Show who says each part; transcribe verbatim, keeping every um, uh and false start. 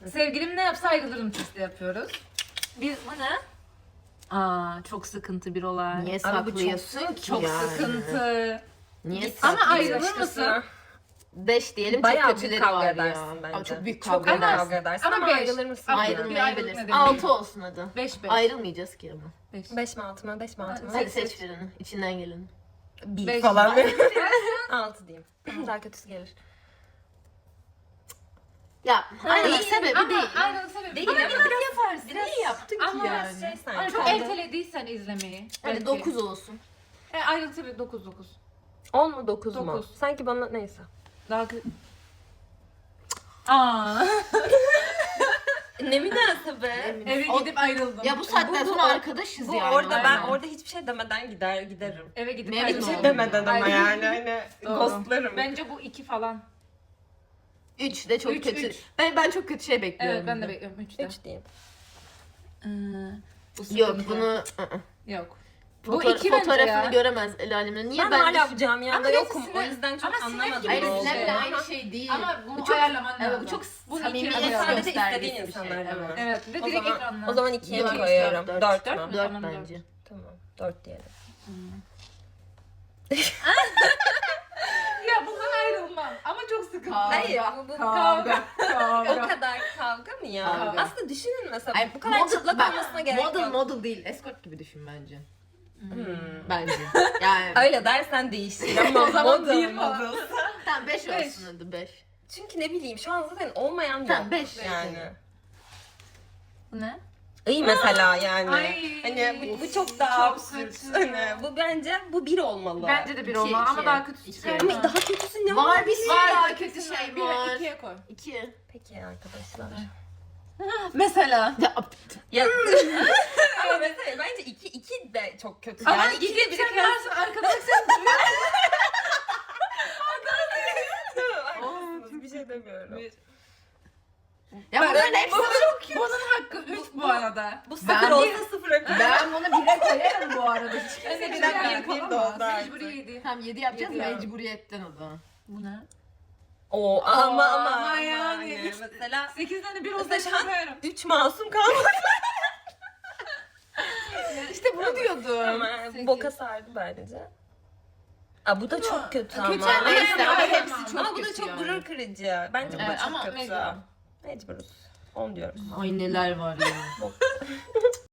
Speaker 1: Sevgilim ne yapsa ayrılırım testi yapıyoruz. Biz bu ne? Aa, çok sıkıntı bir olay.
Speaker 2: Niye
Speaker 3: Abi bu çok
Speaker 2: saklıyorsun ki
Speaker 1: Çok
Speaker 2: yani?
Speaker 1: sıkıntı.
Speaker 2: Niye
Speaker 1: Ama
Speaker 2: saklıyorsun?
Speaker 1: ayrılır
Speaker 3: Başkası.
Speaker 1: mısın?
Speaker 2: Beş diyelim,
Speaker 3: Bayağı
Speaker 2: çok
Speaker 3: büyük
Speaker 2: kötüleri
Speaker 3: kavga
Speaker 2: var
Speaker 3: edersin
Speaker 2: ya.
Speaker 3: bence.
Speaker 2: Ama çok büyük
Speaker 3: Çok
Speaker 2: kavga
Speaker 3: büyük
Speaker 2: edersin.
Speaker 3: kavga edersin
Speaker 1: Ama
Speaker 3: ama,
Speaker 1: beş.
Speaker 3: ayrılır mısın?
Speaker 1: Ama
Speaker 3: yani?
Speaker 2: Ayrılmayabiliriz.
Speaker 1: Bir
Speaker 2: Altı olsun hadi.
Speaker 1: Beş beş.
Speaker 2: Ayrılmayacağız ki ama.
Speaker 1: Beş.
Speaker 3: Beş mi altı mı? Beş mi altı mı?
Speaker 2: Hadi seç birini. İçinden geleni.
Speaker 3: Bir
Speaker 1: Beş.
Speaker 3: falan. Altı diyeyim. Daha kötüsü gelir.
Speaker 2: Ya ayrılık
Speaker 1: Değil.
Speaker 2: sebebi
Speaker 1: Ama
Speaker 2: değil.
Speaker 1: ayrılık sebebi
Speaker 3: Değil
Speaker 1: değil.
Speaker 3: ama
Speaker 1: Ama
Speaker 2: yaparsın. Niye yaptın ki
Speaker 1: Ama
Speaker 2: yani?
Speaker 3: şey sanki.
Speaker 1: Hani çok
Speaker 3: Hadi.
Speaker 1: ertelediysen izlemeyi.
Speaker 2: Hadi
Speaker 1: belki.
Speaker 2: dokuz olsun.
Speaker 1: E, ayrılık sebebi dokuz dokuz.
Speaker 3: On mu dokuz mu?
Speaker 1: Dokuz.
Speaker 3: Sanki bana neyse.
Speaker 1: Daha kötü. Aa.
Speaker 3: Ne münasebe.
Speaker 1: Eve
Speaker 2: O-
Speaker 1: gidip ayrıldım.
Speaker 2: Ya bu saatten
Speaker 3: Bu- bu-
Speaker 2: sonra arkadaşız
Speaker 3: Bu
Speaker 2: yani.
Speaker 3: orada ben
Speaker 1: aynen.
Speaker 3: orada hiçbir şey demeden gider giderim.
Speaker 1: Eve gidip
Speaker 2: Memnun
Speaker 1: ayrıldım.
Speaker 2: oldum.
Speaker 3: Hiçbir şey demeden ama
Speaker 1: Ayrıldım.
Speaker 3: yani hani
Speaker 1: Doğru.
Speaker 3: ghostlarım.
Speaker 1: Bence bu iki falan.
Speaker 2: Üç de çok
Speaker 1: Üç,
Speaker 2: kötü.
Speaker 1: üç.
Speaker 2: Ben ben çok kötü şey bekliyorum.
Speaker 1: Evet ben de bekliyorum. Üçte.
Speaker 3: Üç diyeyim.
Speaker 1: Ee, bu
Speaker 2: Yok
Speaker 1: sıkıntı.
Speaker 2: bunu ı-ı.
Speaker 1: Yok. Bu
Speaker 2: Foto-
Speaker 1: iki bence
Speaker 2: fotoğrafını
Speaker 1: ya.
Speaker 2: göremez el alemine. Niye
Speaker 3: Ben,
Speaker 2: ben,
Speaker 3: hala
Speaker 2: de...
Speaker 3: bu camiada
Speaker 1: Ama
Speaker 3: yokum.
Speaker 1: sinir-
Speaker 3: O yüzden çok
Speaker 1: ama sinir
Speaker 3: anlamadım.
Speaker 1: gibi
Speaker 2: Hayır
Speaker 1: bir
Speaker 3: oldu.
Speaker 1: şey.
Speaker 2: Sinem aynı şey değil.
Speaker 1: Ama bunu
Speaker 2: Bu çok-
Speaker 1: ayarlaman lazım.
Speaker 2: Evet, bu çok
Speaker 1: Bunu
Speaker 2: samimi
Speaker 1: ikiye
Speaker 2: ve
Speaker 1: ayarlaman
Speaker 3: sadece
Speaker 2: gösterdiği
Speaker 3: istediğin
Speaker 2: bir şey.
Speaker 3: insanlarla mı?
Speaker 2: Evet.
Speaker 1: Evet ve
Speaker 3: O
Speaker 1: direkt
Speaker 3: zaman,
Speaker 1: ekranla.
Speaker 3: o zaman ikiye mi
Speaker 2: Dört,
Speaker 3: koyuyorum?
Speaker 2: dört,
Speaker 3: Dört,
Speaker 1: dört
Speaker 3: mü?
Speaker 1: mü?
Speaker 2: Dört
Speaker 1: Tamam,
Speaker 2: bence.
Speaker 3: Tamam. Dört diyelim.
Speaker 1: Ya bundan ayrılmam. Ama çok sıkıntı.
Speaker 2: Kavga.
Speaker 3: Hayır, bu, bu
Speaker 1: Kavga.
Speaker 3: o
Speaker 1: Kavga.
Speaker 3: kadar kavga mı ya?
Speaker 2: Kavga.
Speaker 3: Aslında düşünün mesela
Speaker 2: Ay,
Speaker 3: bu kadar
Speaker 2: model-
Speaker 3: çıplak
Speaker 2: bak,
Speaker 3: olmasına gerek
Speaker 2: model,
Speaker 3: yok.
Speaker 2: Model değil. Escort gibi düşün bence.
Speaker 3: Hmm.
Speaker 2: Bence. Yani.
Speaker 3: Öyle dersen değişir ama
Speaker 1: O zaman
Speaker 3: model
Speaker 1: bir falan.
Speaker 3: model.
Speaker 2: Tamam beş
Speaker 1: Beş.
Speaker 2: olsun hadi beş.
Speaker 3: Çünkü ne bileyim şu an zaten olmayan yok.
Speaker 2: Tamam, beş.
Speaker 3: yani.
Speaker 1: Bu ne?
Speaker 3: İyi mesela yani.
Speaker 1: Ay.
Speaker 3: Hani bu, bu çok daha
Speaker 1: Çok
Speaker 3: absürt.
Speaker 1: kötü.
Speaker 3: Hani bu bence bu bir olmalı.
Speaker 1: Bence de bir
Speaker 2: İki,
Speaker 1: olmalı ama
Speaker 2: iki.
Speaker 1: daha kötüsü
Speaker 2: İki.
Speaker 1: çıkar.
Speaker 3: Ama daha kötüsü ne
Speaker 2: Var
Speaker 3: var?
Speaker 2: bir sürü
Speaker 1: Var,
Speaker 2: daha
Speaker 1: daha
Speaker 2: kötü
Speaker 1: kötüsü
Speaker 2: şey
Speaker 1: Bir
Speaker 2: var.
Speaker 1: ve ikiye koy.
Speaker 2: İki.
Speaker 3: Peki arkadaşlar.
Speaker 1: Mesela.
Speaker 2: Ya,
Speaker 3: Ya ama mesela bence iki iki de çok kötü.
Speaker 1: Ama
Speaker 3: yani
Speaker 1: iki
Speaker 3: ikili
Speaker 1: de
Speaker 3: bir
Speaker 1: sen varsın arkadaş sen
Speaker 3: Haklısınız, bir şey demiyorum.
Speaker 2: ya bunların hepsi
Speaker 1: çok Bunun hakkı üç bu arada.
Speaker 3: Bu
Speaker 2: Ben
Speaker 3: sıfır
Speaker 2: bir-
Speaker 3: olsa sıfıra koy.
Speaker 2: Ben bunu bire koyarım bu arada. Hiç
Speaker 3: Ben de
Speaker 2: kimse
Speaker 3: bir
Speaker 2: bir
Speaker 3: dakika,
Speaker 2: dakika
Speaker 3: bir
Speaker 2: yapamaz.
Speaker 3: de oldu artık.
Speaker 1: Mecburi yedi.
Speaker 2: Tamam yedi yapacağız
Speaker 1: Yedi ya.
Speaker 2: mecburiyetten o zaman.
Speaker 1: Bu ne?
Speaker 3: Oo ama ama,
Speaker 1: ama yani.
Speaker 3: mesela
Speaker 1: sekiz tane bir
Speaker 3: Mesela
Speaker 1: olsa
Speaker 3: şu an-
Speaker 1: çıkarım.
Speaker 3: üç masum kalmadı
Speaker 2: İşte bunu diyordum.
Speaker 3: ama bu boka sardı bence. Aa bu da çok kötü ama.
Speaker 2: Kötü ama neyse ama
Speaker 1: Aynen.
Speaker 2: hepsi çok
Speaker 3: Ama bu da
Speaker 2: kötü
Speaker 3: çok
Speaker 2: yani.
Speaker 3: gurur kırıcı. Bence bu
Speaker 1: Evet,
Speaker 3: da çok
Speaker 1: ama
Speaker 3: kötü.
Speaker 1: mecbur.
Speaker 3: Mecburuz. On diyoruz.
Speaker 2: Ay neler var ya.